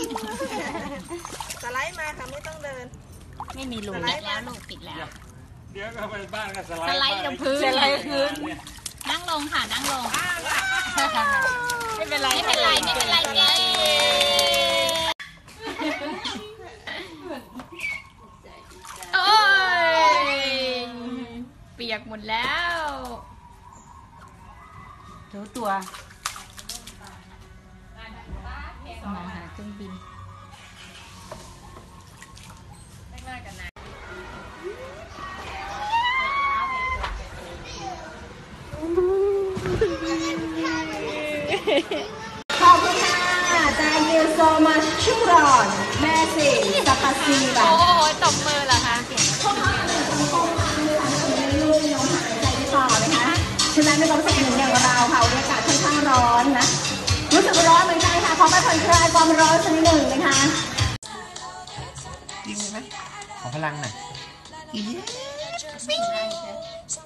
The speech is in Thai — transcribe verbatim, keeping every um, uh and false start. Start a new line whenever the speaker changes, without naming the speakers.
สไลด์มาค่ะไม่ต้องเดิน
ไม่มีรูปิดแล้วลูกปิดแล้ว
เดี๋ยวก็ไปบ้านก็สไลด์
สไลด์กับพื้น
สไลด์พื้น
นั่งลงค่ะนั่งลง
ไม่เป็นไร
ไม่เป็นไรไม่เป็นไรเย้โอ้ยเปียกหมดแล้ว
ถูตัว
มาหาเครื่องบิน
ขอบคุณค่ะ thank you so much ชุกรอนแม่สิสัปปะซีแบบ
โอ้โหตบมือเหรอคะ
ข้อห้ามหนึ่งของข้อห้ามนะคะไม่ลูกน้องหายใจไม่ต่อนะคะฉะนั้นไม่ต้องสักหนึ่งอย่างเราค่ะอากาศค่อนข้างร้อนนะรู้สึกร้อนเหมือนกันค่ะขอไปผ่อนคลายความร้อนสักนิดหนึ่งนะคะ
ยิงไหมขอพลังหน่อย